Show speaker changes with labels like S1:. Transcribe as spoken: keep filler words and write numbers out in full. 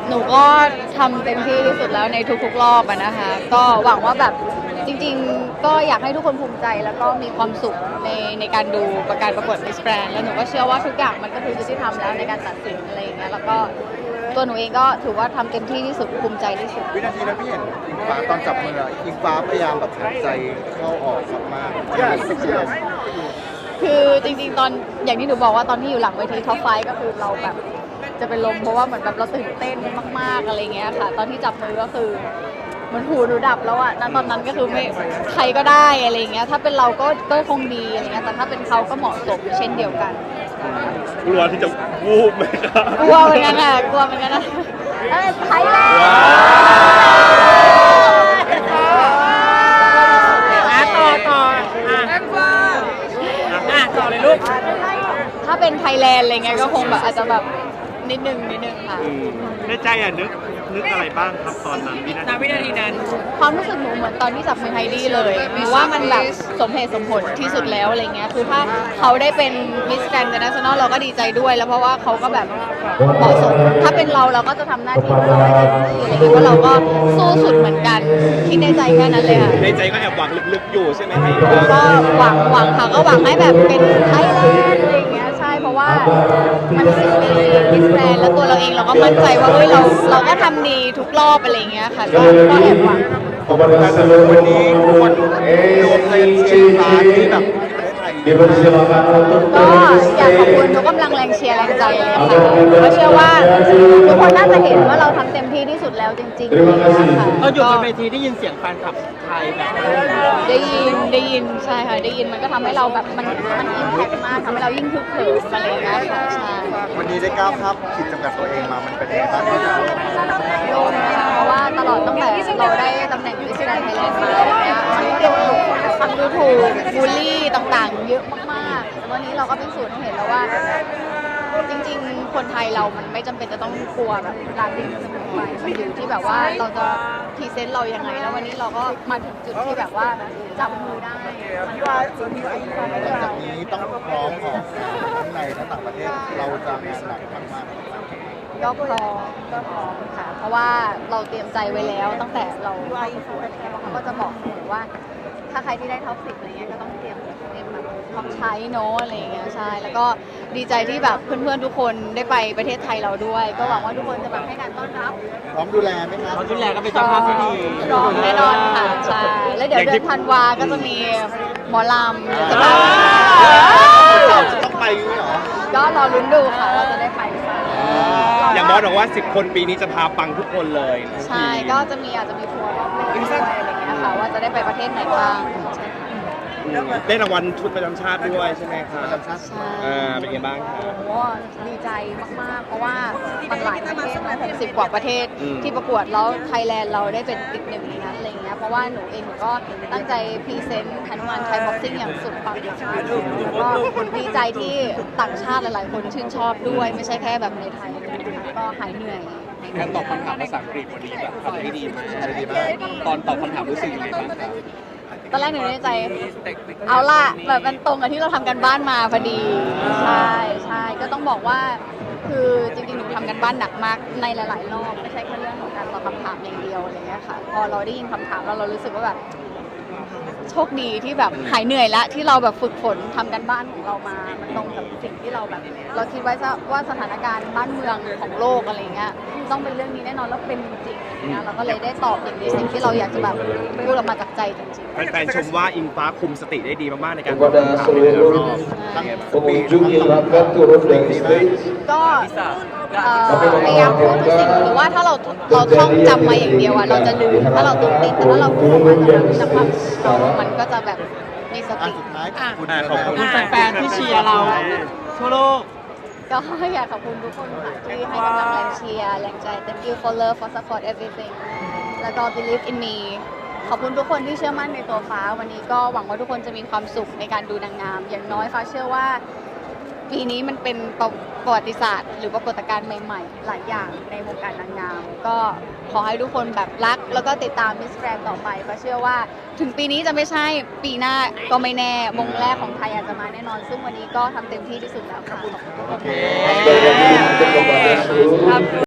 S1: หนูก็ทำเต็มที่ที่สุดแล้วในทุกๆรอบอะนะคะก็หวังว่าแบบจริงๆก็อยากให้ทุกคนภูมิใจแล้วก็มีความสุขในในการดูประการประกวด Miss Grand แล้วหนูก็เชื่อว่าทุกอย่างมันก็คือยุติธรรมแล้วในการตัดสินอะไรอย่างเงี้ยแล้วก็ตัวหนูเองก็ถือว่าทำเต็มที่ที่สุดภูมิใจที่สุด
S2: วินาทีนั้นพี่เห็นอิงฟ้าตอนจับมืออิงฟ้าพยายามแบบหายใจเข้าออกมากๆ
S1: คือจริงๆตอนอย่างที่หนูบอกว่าตอนที่อยู่หลังเวทีท็อปไฟก็คือเราแบบจะเป็นลมเพราะว่าเหมือนแบบเราตื่นเต้นมากๆอะไรเงี้ยค่ะตอนที่จับมือก็คือเหมือนหูหนูดับแล้วอะณตอนนั้นก็คือไม่ใครก็ได้อะไรเงี้ยถ้าเป็นเราก็ก็คงดีอะไรเงี้ยแต่ถ้าเป็นเขาก็เหมาะสมเช่นเดียวกัน
S3: กลัวที่จะวูบไหมครับ
S1: กลัวเหมือนกันค่ะกลัวเหมือนกันนะเอ้ยไทยแลนด์
S4: ต่อต่ออ่ะอ่ะต่อเลยลูก
S1: ถ้าเป็นไทยแลนด์อะไรเงี้ยก็คงแบบอาจจะแบบนิดนึงนิดนึงค่ะ
S3: ในใจอ่ะนึกนึกอะไรบ้างครับตอนนั้นวินาที
S4: วินาทีนั้น
S1: ความรู้สึกหนูเหมือนตอนที่จับมือไฮดี้เลยหนูว่ามันแบบสมเหตุสมผลที่สุดแล้วอะไรเงี้ยคือถ้าเขาได้เป็นมิสแกรนด์อินเตอร์เนชั่นแนลเราก็ดีใจด้วยแล้วเพราะว่าเขาก็แบบเหมาะสมถ้าเป็นเราเราก็จะทำหน้าที่ของเราให้เต็มที่อะไรเงี้ยเพราะเราก็สู้สุดเหมือนกันคิดในใจแค่นั้นเลยค่ะ
S3: ในใจก็แอบหวังลึกๆอยู่ใช่ไหมไฮ
S1: ดี้ก็หวังหวังค่ะก็หวังให้แบบเป็นไทยแลนด์อะไรเงี้ยใช่เพราะว่ามันสิบปีมิสแกรนด์แล้วตัวเราเองเราก็มั่นใจว่าเฮ้ยเราเราก็ทำดีทุกรอบอะไรเงี้ยค่ะก็ก็แอบหวัง
S2: วันนี้คนรวมใจเชียร์ฟ้าที่แบบประเทศไทย
S1: ก็อยากขอบคุณทุกกำลังแรงเชียร์แรงใจเลยค่ะก็เชื่อว่าทุกคนน่าจะเห็นว่าเราทำเต็มที่ที่สุดแล้วจริงๆค่ะ
S4: เราอยู่บนเวทีได้ยินเสียงแฟนคลับไทยแบบ
S1: ได้ยินได้ยินใช่ค่ะได้ยินมันก็ทำให้เราแบบมันมันอิมแพคมากทำให้เรายิ่งคึกคืนมาเลยนะคะใช่
S2: วันนี้ได้ก้าวข้ามขีดจำกัดตัวเองมามันเป็นยังไงบ้าง
S1: โดนนะคะเพราะว่าตลอดตั้งแต่เราได้ตำแหน่งมิสแกรนด์ไทยแลนด์มาอะไรเงี้ยมันก็โดนคำดูถูกบูลลี่ต่างๆเยอะมากๆวันนี้เราก็เป็นสูตรให้เห็นแล้วว่าจริงๆคนไทยเรามันไม่จำเป็นจะต้องกลัวแบบการที่จะไปมันอยู่ที่แบบว่าเราจะพรีเซนต์เรายังไงแล้ววันนี้เราก็มาถึงจุดที่แบบว่าจับมือได้
S2: หลังจากนี้ต้องพร้อมออกทั้งในและต่างประเทศเราจะงานหนักมาก
S1: ก็พร้อมก็พร้อมค่ะเพราะว่าเราเตรียมใจไว้แล้วตั้งแต่เราเข้าประกวดอะไรเงี้ยเขาก็จะบอกเสมอว่าถ้าใครที่ได้ท็อปสิบอะไรเงี้ยก็ต้องเตรียมเตรียมแบบท็อปใช้เนาะอะไรเงี้ยใช่แล้วก็ดีใจที่แบบเพื่อนๆทุกคนได้ไปประเทศไทยเราด้วยก็หวังว่าทุกคนจะแบบให้การต้อนรับ
S2: พร้อมดูแลไหมคะ
S4: พร้อมดูแลก็เป็นเจ้าภาพที่ดี
S1: พร้อมแน่นอนค่ะใช่แล้วเดี๋ยวเดือนธันวาก็จะมีหมอลำจะแบบ
S2: จะต้องไปเหรอ
S1: ก็รอลุ้นดูค่ะว่าจะได้ไปหรือเปล่า
S3: อย่างบอสบอกว่าสิบคนปีนี้จะพาปังทุกคนเลย
S1: ใช่ก็จะมีอาจจะมีทัวร์รอบโลกอะไรอย่างเงี้ยค่ะว่าจะได้ไปประเทศไหนบ้าง
S3: ได้รางวัลชุดประจำชาติด้วยใช่ไหมคะ
S2: ประจำชาติ
S1: ใช่
S3: เป็นไงบ้างคะ
S1: โอ้ดีใจมากๆเพราะว่าบางหลายประเทศนะหกสิบกว่าประเทศที่ประกวดแล้วไทยแลนด์เราได้เป็นอีกหนึ่งในนั้นอะไรเงี้ยเพราะว่าหนูเองหนูก็ตั้งใจพรีเซนต์ฮนุมานไทยบ็อกซิ่งอย่างสุดปังแล้วก็ดีใจที่ต่างชาติหลายๆคนชื่นชอบด้วยไม่ใช่แค่แบบในไทยก็หายเหนื่อย
S3: การตอบคำถามภาษาอังกฤษวันนี้แบบทำได้ดีมากตอนตอบคำถามรู้สึกยังไงบ้างครับ
S1: ตอนแรกหนูในใจเอาล่ะแบบมันตรงกับที่เราทำกันบ้านมาพอดีใช่ใช่ก็ต้องบอกว่าคือจริงๆหนูทำกันบ้านหนักมากในหลายๆรอบไม่ใช่แค่เรื่องของการตอบคำถามอย่างเดียวอะไรเงี้ยค่ะพอเราได้ยินคำถามแล้วเรารู้สึกว่าแบบโชคดีที่แบบหายเหนื่อยแล้วที่เราแบบฝึกฝนทำกันบ้านของเรามามันตรงกับสิ่งที่เราแบบเราคิดไว้ว่าสถานการณ์บ้านเมืองของโลกอะไรเงี้ยต้องเป็นเรื่องนี้แน่นอนแล้วเป็นจริงๆอะไรเงี้ยเราก็เลยได้ตอบอย่างในสิ่งที่เราอยากจะแบบพูดออกมาจากใจจริงๆ
S3: แฟนๆชมว่าอิงฟ้าคุมสติได้ดีมากๆในการตอบคำถามในแต่ละรอบ
S1: ก็พยายามพูดทุกสิ่งหรือว่าถ้าเราเราท่องจำมาอย่างเดียวอะเราจะลืมถ้าเราตื่นเต้นแต่ถ้าเราพูดออกมาจากความมันก็จะแบบมีสติ
S2: สุดท้าย
S3: ขอบคุณ
S4: แฟนๆที่เชียร์เราทั่วโลก
S1: ก็อยากขอบคุณทุกคนค่ะที่ให้กำลังแรงเชียร์แรงใจ thank you for love for support everything แล้วก็ believe in me ขอบคุณทุกคนที่เชื่อมั่นในตัวฟ้าวันนี้ก็หวังว่าทุกคนจะมีความสุขในการดูนางงามอย่างน้อยฟ้าเชื่อว่าปีนี้มันเป็นประวัติศาสตร์หรือปรากฏการณ์ใหม่ๆหลายอย่างในวงการนางงามก็ขอให้ทุกคนแบบรักแล้วก็ติดตามมิสแกรนด์ต่อไปฟ้าเชื่อว่าถึงปีนี้จะไม่ใช่ปีหน้าก็ไม่แน่มงแรกของไทยอาจจะมาแน่นอนซึ่งวันนี้ก็ทำเต็มที่ที่สุดแล้วค่ะ